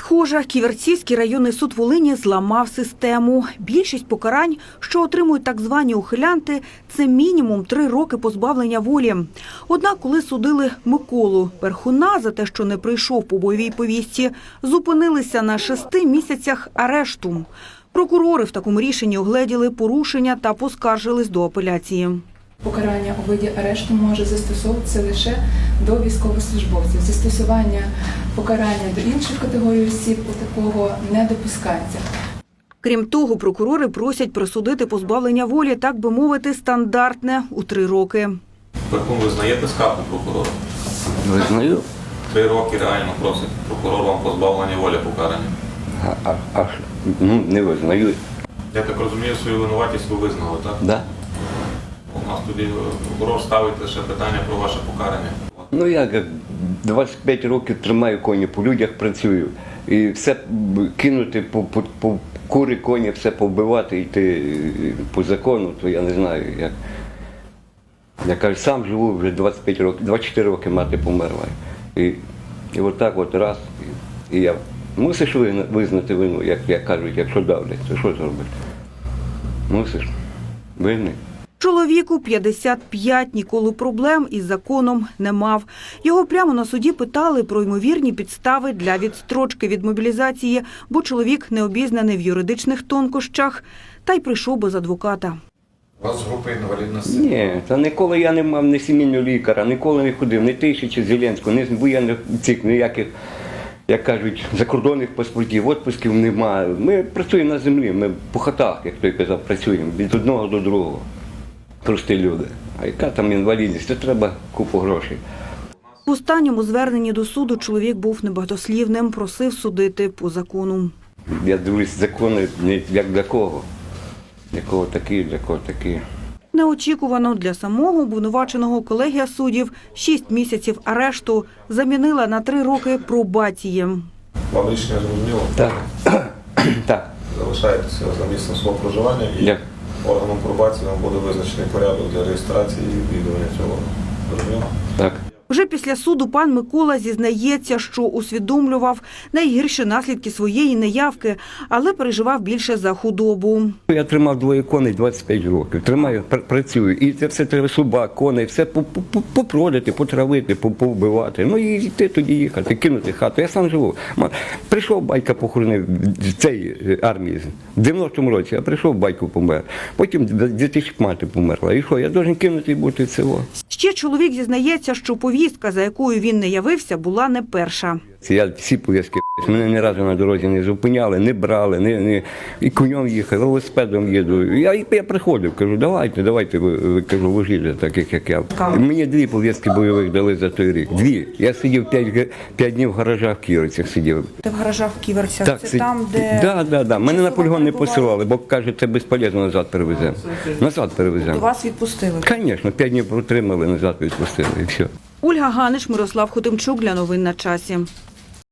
Схоже, Ківерцівський районний суд Волині зламав систему. Більшість покарань, що отримують так звані ухилянти, це мінімум 3 роки позбавлення волі. Однак, коли судили Миколу Перхуна за те, що не прийшов по бойовій повістці, зупинилися на 6 місяцях арешту. Прокурори в такому рішенні огледіли порушення та поскаржились до апеляції. Покарання у виді арешту може застосовуватися лише до військовослужбовців. Застосування покарання до інших категорій осіб у такого не допускається. Крім того, прокурори просять присудити позбавлення волі, так би мовити, стандартне у 3 роки. Перхун, ви знаєте скаргу прокурора? Визнаю. 3 роки реально просить прокурор вам позбавлення волі покарання. Не визнаю. Я так розумію, свою винуватість ви визнали, так? Да. У нас тоді прокурор ставить лише питання про ваше покарання. Ну як 25 років тримаю коні, по людях працюю. І все кинути по кури коні, все повбивати, йти по закону, то я не знаю як. Я кажу, сам живу вже 25 років, 24 роки мати померла. І отак от раз, і я. Мусиш визнати вину, як кажуть, якщо давлять, то що зробити? Мусиш. Винний. Чоловіку 55, ніколи проблем із законом не мав. Його прямо на суді питали про ймовірні підстави для відстрочки від мобілізації, бо чоловік не обізнаний в юридичних тонкощах, та й прийшов без адвоката. У вас з групи інвалідності? Ні, та ніколи я не мав ні сімейного лікаря, ніколи не ходив, ні тисячі Зеленського, ні воєнних цих ніяких, як кажуть, закордонних паспортів, відпусків немає. Ми працюємо на землі, ми по хатах, як той казав, працюємо від одного до другого. Прості люди. А яка там інвалідність? Це треба купу грошей. В останньому зверненні до суду чоловік був небагатослівним, просив судити по закону. Я дивлюсь, закони не як для кого. Для кого такі, для кого такі. Неочікувано для самого обвинуваченого колегія суддів 6 місяців арешту замінила на 3 роки пробації. Вам рішення зрозуміло? Так. Так. Залишаєтеся за місцем свого проживання і органом пробації вам буде визначений порядок для реєстрації і відвідування цього. Зрозуміло? Так. Вже після суду пан Микола зізнається, що усвідомлював найгірші наслідки своєї неявки, але переживав більше за худобу. Я тримав 2 коней 25 років, тримаю, працюю. І це все треба собак, коней, все попродати, потравити, повбивати. Ну і йти тоді їхати, кинути хату. Я сам живу. Прийшов батька похоронив з цієї армії. В 90-му році я прийшов, батько помер. Потім 2000 мати померла. І що, я должен кинути і бути село. Ще чоловік зізнається, що повістка, за якою він не явився, була не перша. Я всі пов'язки, мене ні разу на дорозі не зупиняли, не брали, і конем їхав, велосипедом їду. Я приходив, кажу, давайте, ви кажу, вугілля, таких як я. Мені 2 пов'язки бойових дали за той рік. 2. Я сидів 5 днів в гаражах в Ківерцях сидів. Ти в гаражах в Ківерцях? Так, це там, де... Да. Мене на полігон не посилали, бо кажуть, це безполезно, назад перевеземо. Назад перевеземо. То вас відпустили? Звісно, 5 днів протримали, назад відпустили і все. Ольга Ганич, Мирослав Хотимчук для новин на часі.